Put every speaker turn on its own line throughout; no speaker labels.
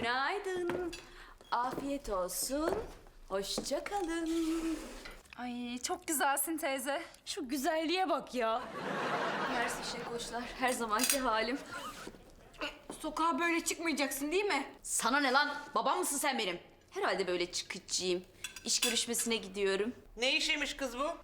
Günaydın. Afiyet olsun. Hoşça kalın.
Ay çok güzelsin teyze.
Şu güzelliğe bak ya. Mersi şekoşlar, her zamanki halim.
Sokağa böyle çıkmayacaksın değil mi?
Sana ne lan? Babam mısın sen benim? Herhalde böyle çıkıcıyım. İş görüşmesine gidiyorum.
Ne işiymiş kız bu?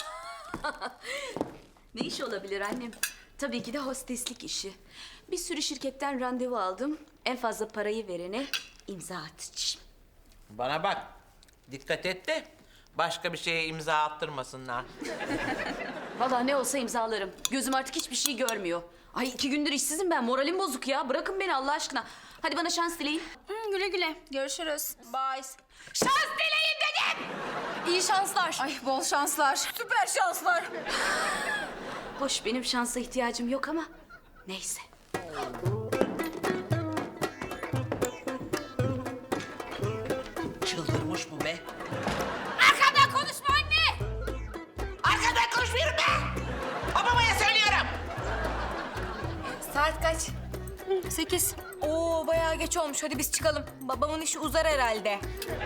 Ne iş olabilir annem? Tabii ki de hosteslik işi. Bir sürü şirketten randevu aldım. En fazla parayı verene imza atacağım.
Bana bak. Dikkat et de başka bir şeye imza attırmasınlar.
Vallahi ne olsa imzalarım. Gözüm artık hiçbir şey görmüyor. Ay 2 gündür işsizim ben. Moralim bozuk ya. Bırakın beni Allah aşkına. Hadi bana şans dileyin.
Güle güle. Görüşürüz. Bye.
Şans dileyin dedim!
İyi şanslar. Ay bol şanslar. Süper şanslar.
Hoş benim şansa ihtiyacım yok ama neyse.
Çıldırmış bu be.
Arkamdan konuşma anne!
Arkadan konuşmuyorum be! Babamaya söylüyorum.
Saat kaç? 8. Oo bayağı geç olmuş. Hadi biz çıkalım. Babamın işi uzar herhalde.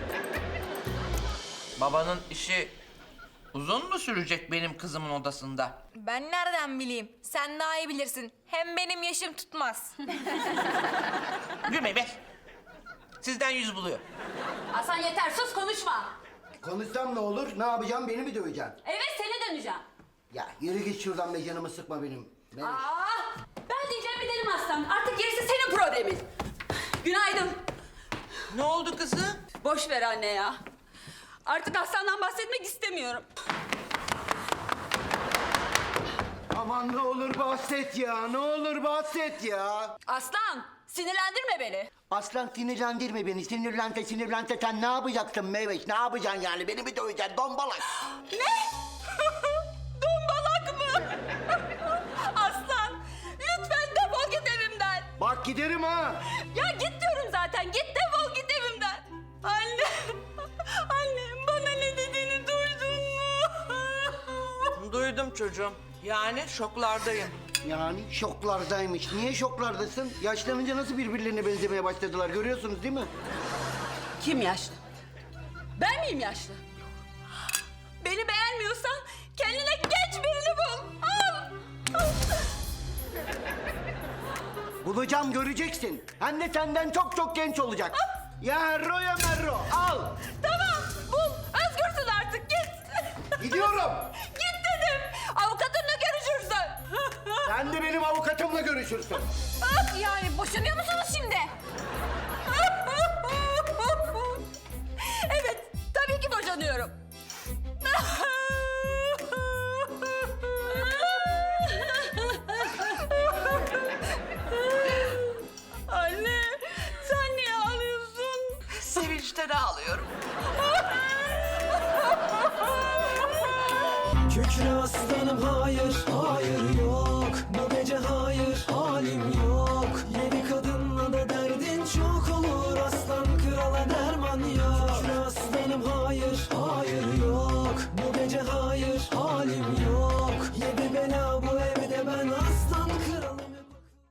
Babanın işi uzun mu sürecek benim kızımın odasında?
Ben nereden bileyim? Sen daha iyi bilirsin. Hem benim yaşım tutmaz.
Gülme be. Sizden yüz buluyor.
Hasan yeter sus konuşma.
Konuşsam ne olur? Ne yapacağım? Beni mi döveceksin?
Evet seni döneceğim.
Ya yürü git şuradan be, canımı sıkma benim.
Ben diyeceğimi dedim aslan. Artık gerisi senin problemin. Günaydın.
Ne oldu kızım?
Boş ver anne ya. Artık Aslan'dan bahsetmek istemiyorum.
Aman ne olur bahset ya, ne olur bahset ya.
Aslan sinirlendirme beni.
Aslan sinirlendirme beni, sinirlense sen ne yapacaksın Meyveş? Ne yapacaksın yani? Beni mi döveceksin dombalak?
Dombalak mı? Aslan lütfen defol git evimden.
Bak giderim ha.
Ya git diyorum zaten. Git defol git evimden. Anne. Annem bana ne dediğini duydun mu?
Duydum çocuğum. Yani şoklardayım.
Yani şoklardaymış. Niye şoklardasın? Yaşlanınca nasıl birbirlerine benzemeye başladılar görüyorsunuz değil mi?
Kim yaşlı? Ben miyim yaşlı? Beni beğenmiyorsan kendine genç birini bul. Al.
Bulacağım, göreceksin. Hem de senden çok çok genç olacak. Ya Herro ya Merro, al.
Tamam bul. Özgürsün artık git.
Gidiyorum.
Git dedim. Avukatınla görüşürsün.
Sen de benim avukatımla görüşürsün.
Yani boşanıyor musunuz şimdi?
Evet tabii ki boşanıyorum. Anne sen niye ağlıyorsun?
Sevinçten ağlıyorum.
Kükre aslanım hayır, hayır yok. Bu gece hayır, halim yok. Yeni kadınla da derdin çok olur. Aslan krala derman yok. Kükre aslanım hayır, hayır yok. Bu gece hayır, halim yok.